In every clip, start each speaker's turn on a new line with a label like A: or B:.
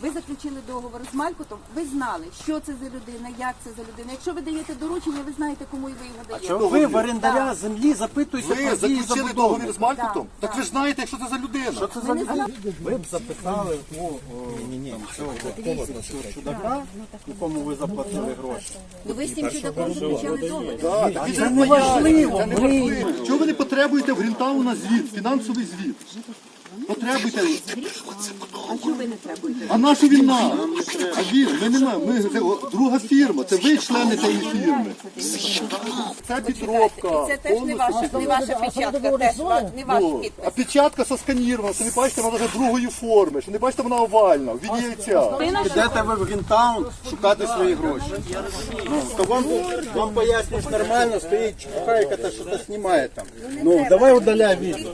A: Ви заключили договор з Малькутом, ви знали, що це за людина, як це за людина. Якщо ви даєте доручення, ви знаєте, кому і ви його даєте.
B: Чого ви в орендаря землі запитуєте
C: Ви
B: про дії
C: заключили
B: забудови?
C: договір з Малькутом? Так ви ж знаєте, що це за людина.
B: Що це за людина? Ви б записали цього чудака, якому ви заплатили гроші.
A: Ну ви з цим чудаком заключали договір.
C: Так, це не важливо. Чого ви не потребуєте в Грінтауна звіт, фінансовий звіт? Потребуйте.
A: А чого ви не требуєте?
C: А наша війна? А він, ми не маємо. Ми це друга фірма, це ви члени цієї фірми. Це підробка.
A: Це теж не ваша печатка, теж не ваш
C: Ну,
A: підпис.
C: а печатка сосканірована, що не бачите, вона вже другої форми, що не бачите, вона овальна, в віді яйця.
B: Підете ви в Грінтаун шукати свої гроші. Ну, то вам пояснюєш нормально, стоїть чухайка, та що то знімає там. Ну, давай удаляй відео.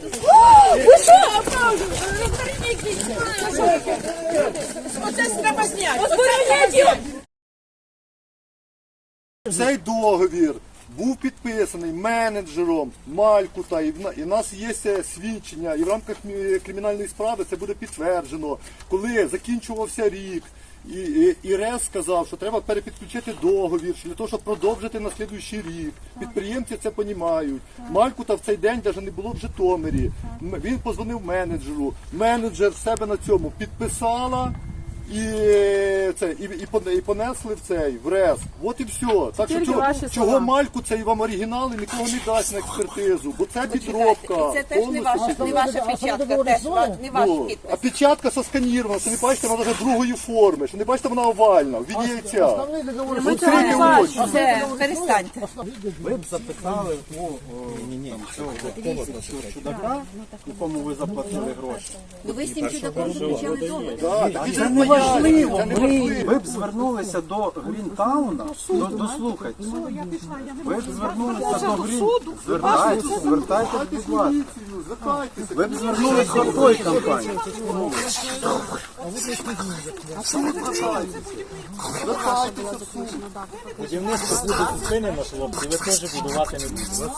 C: Цей договір був підписаний менеджером Малькута, і в нас є свідчення, і в рамках кримінальної справи це буде підтверджено. Коли закінчувався рік, і РЕС сказав, що треба перепідключити договір, для того, щоб продовжити на слідуючий рік. Підприємці це розуміють. Малькута в цей день навіть не було в Житомирі. Він подзвонив менеджеру. Менеджер в себе на цьому підписала. І понесли в РЕС. От і все. Так що чого Мальку цей вам оригінал і нікого не дасть на експертизу, бо це підробка.
A: І це теж не ваша печатка, теж не ваш підпис.
C: А печатка сосканірована, що не бачите, вона вже другої форми, що не бачите, вона овальна, в віді яйця.
A: Це перестаньте.
B: Ви б записали цього чудака, якому ви заплатили гроші.
A: Ну ви з цим чудаком заключали договір.
C: Це не важливо.
B: Ви б звернулися до Грінтауна, дослухайте. Ви б звернулися до Грінтауна, звертайтеся, будь ласка. Ви б звернулися до тої компанії.
D: Будівництво буде зупинено, хлопці, ви теж будувати не будете.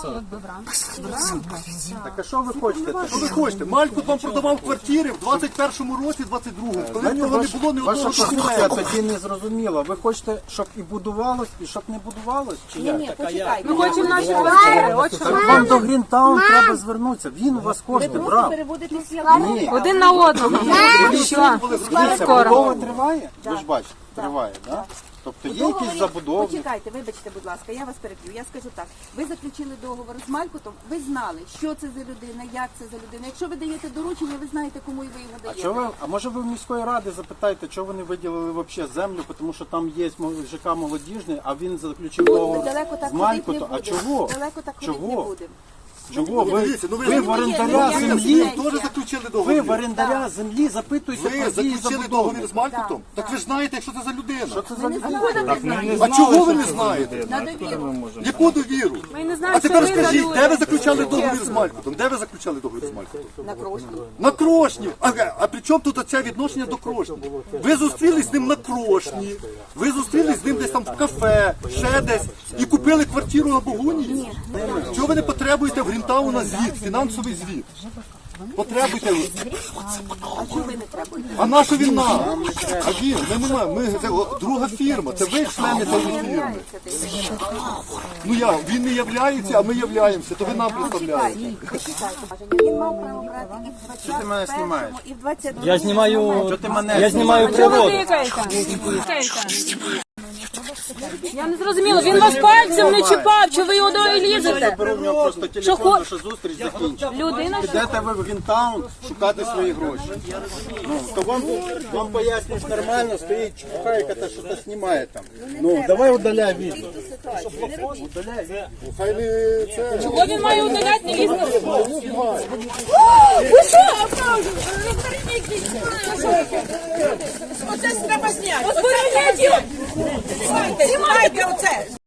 C: Так а що ви хочете? Що ви хочете? Малькут вам продавав квартири в 21-му році, 22-му, коли в нього не було ні
B: Ваша
C: одного
B: позиція
C: школи.
B: тоді не зрозуміла. Ви хочете, щоб і будувалось, і щоб не будувалось? Чи як?
A: Ні, почекайте.
E: Ми хочемо наші квартири. От що
B: Так вам до Грінтаун треба звернутися. Він у вас кошти брав.
A: Переводите всі
B: Ні.
E: один на одного. Все.
B: Дивіться, будова триває? Ви ж бачите, триває, так? Тобто є якісь забудови.
A: Почекайте, вибачте, будь ласка, я вас переб'ю. Я скажу так. Ви заключили договор з Малькутом, ви знали, що це за людина, як це за людина. Якщо ви даєте доручення, ви знаєте, кому і ви його даєте.
B: А може ви в міської ради запитаєте, чого вони виділили взагалі землю, тому що там є ЖК молодіжний, а він заключив договор
A: Далеко так
B: з
A: ходити не
B: Малькутом. А
A: будемо.
B: чого?
A: Далеко так ходити не
B: Чого?
A: будемо.
B: Чого?
C: Дивіться, ну
B: Ви в орендаря
A: ви
B: землі,
C: теж заключили
B: ви
C: договір.
B: в орендаря землі запитуєте
C: Ви
B: про дії
C: заключили
B: забудови.
C: договір з Малькутом? Так ви ж знаєте, що це за людина.
B: Що це за людина?
C: А чого ви не знаєте?
A: На довіру.
C: Яку довіру?
E: Ми не знаємо,
C: А тепер
E: що ви
C: скажіть,
E: за люди.
C: де ви заключали договір з Малькутом? Де ви заключали договір з Малькутом?
A: На крошку.
C: На Крошні. А при чому тут оце відношення до Крошні? Ви зустрілись з ним на Крошні, ви зустрілись з ним десь там в кафе, ще десь, і купили квартиру на Богуні? Чого ви не потребуєте в Грінтауна звіт, фінансовий звіт? Потребуйте.
A: А чого ви не требуєте?
C: А наша війна? А він, ми не маємо, це друга фірма, це ви члени цієї фірми. Ну він не являється, а ми являємося, то ви нам представляєте.
A: Почекайте. Він мав право брати і в
B: Що ти мене
A: 21-му,
B: знімаєш?
A: і в 22-му.
D: Я знімаю,
B: Що ти мене
D: я знімаю
E: Чого ви
D: природу.
E: тикаєте? Я не зрозуміла, він вас пальцем не чіпав, чи ви його дороги лізете?
B: Беру в нього просто телефон, що зустріч закінчена.
E: Людина, що
B: Підете ви в Грінтаун шукати свої гроші. Ну, то вам пояснюєш нормально, стоїть чухайка, та що то знімає там. Ну, давай удаляй відео. Удаляй.
C: Хай не це.
E: чого він має удаляти, не лізти?
F: Оце треба зняти.
E: Озбороняйте!
F: Знімайте оце.